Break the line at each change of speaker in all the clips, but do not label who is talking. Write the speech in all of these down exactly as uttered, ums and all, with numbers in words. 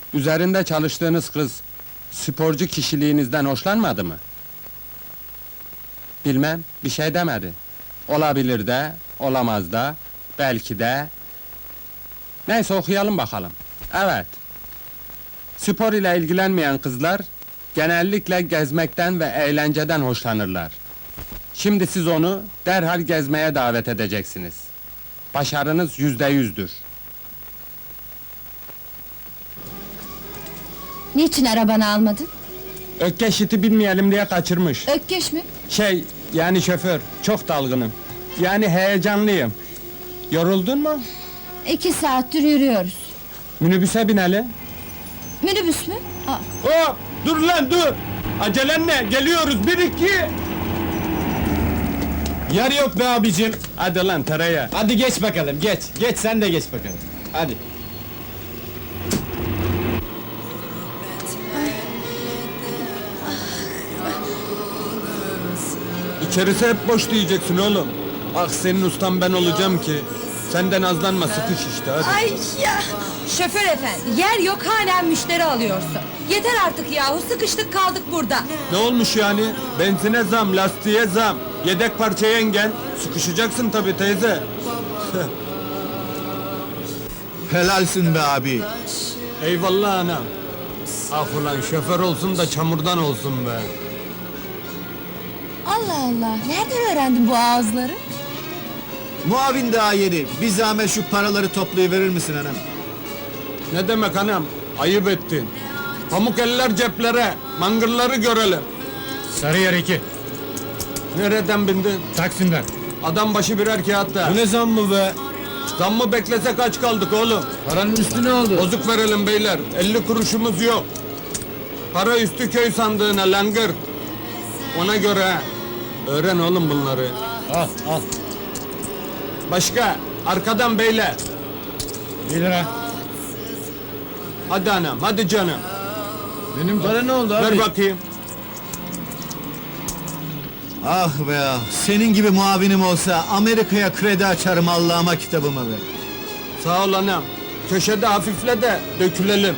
Üzerinde çalıştığınız kız, sporcu kişiliğinizden hoşlanmadı mı? Bilmem, bir şey demedi. Olabilir de, olamaz da, belki de... Neyse okuyalım bakalım. Evet. Spor ile ilgilenmeyen kızlar, genellikle gezmekten ve eğlenceden hoşlanırlar. Şimdi siz onu derhal gezmeye davet edeceksiniz. Başarınız yüzde yüzdür.
Niçin arabanı almadın?
Ökkeş iti bilmeyelim diye kaçırmış.
Ökkeş mi?
Şey, yani şoför, çok dalgınım. Yani heyecanlıyım. Yoruldun mu?
İki saattir yürüyoruz.
Minibüse binelim.
Minibüs mü? Aa,
Hop! Dur lan dur! Acelen ne? Geliyoruz, bir iki!
Yer yok be abicim.
Hadi lan tereyağı!
Hadi geç bakalım, geç. Geç, sen de geç bakalım. Hadi.
İçerisi hep boş diyeceksin oğlum. Ah senin ustan ben olacağım ki. Senden azlanma, sıkış işte hadi.
Ay ya! Şoför efendi, yer yok halen müşteri alıyorsun. Yeter artık yahu, sıkıştık kaldık burada.
Ne olmuş yani? Benzine zam, lastiğe zam. Yedek parça yengen. Sıkışacaksın tabii teyze.
Helalsin be abi.
Eyvallah anam. Ah ulan şoför olsun da çamurdan olsun be.
Allah Allah, nereden öğrendin bu ağızları?
Muavin daha yeni. Bir zahmet şu paraları toplayıverir misin hanım?
Ne demek anam? Ayıp ettin. Pamuk eller ceplere, mangırları görelim.
Sarıyer iki.
Nereden bindin?
Taksim'den.
Adam başı birer kağıt da.
Bu ne zam mı be?
Zam mı beklesek kaç kaldık oğlum?
Paranın üstü ne oldu?
Bozuk verelim beyler, elli kuruşumuz yok. Para üstü köy sandığına langır. Ona göre ha. Öğren oğlum bunları.
Al, al.
Başka, arkadan beyler.
Bir lira.
Hadi anam, hadi canım.
Benim para ne oldu abi?
Ver bakayım.
Ah be ah. Senin gibi muavinim olsa Amerika'ya kredi açarım Allah'ıma kitabıma be.
Sağ ol anam. Köşede hafifle de dökülelim.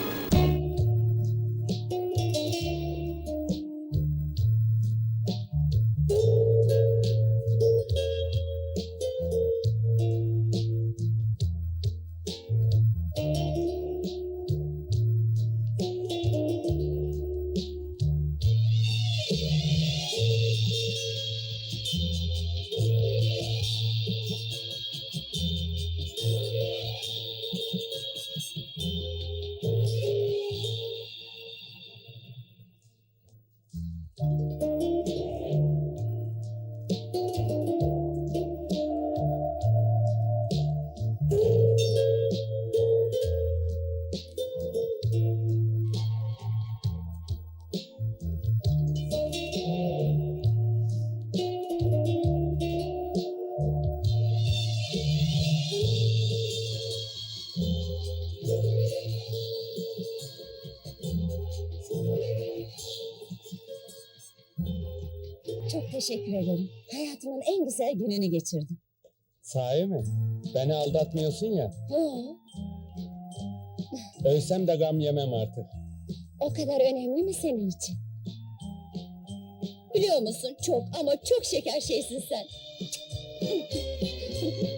Çok teşekkür ederim. Hayatımın en güzel gününü geçirdim.
Sahi mi? Beni aldatmıyorsun ya.
Hı,
Ölsem de gam yemem artık.
o kadar önemli mi senin için? Biliyor musun, çok ama çok şeker şeysin sen.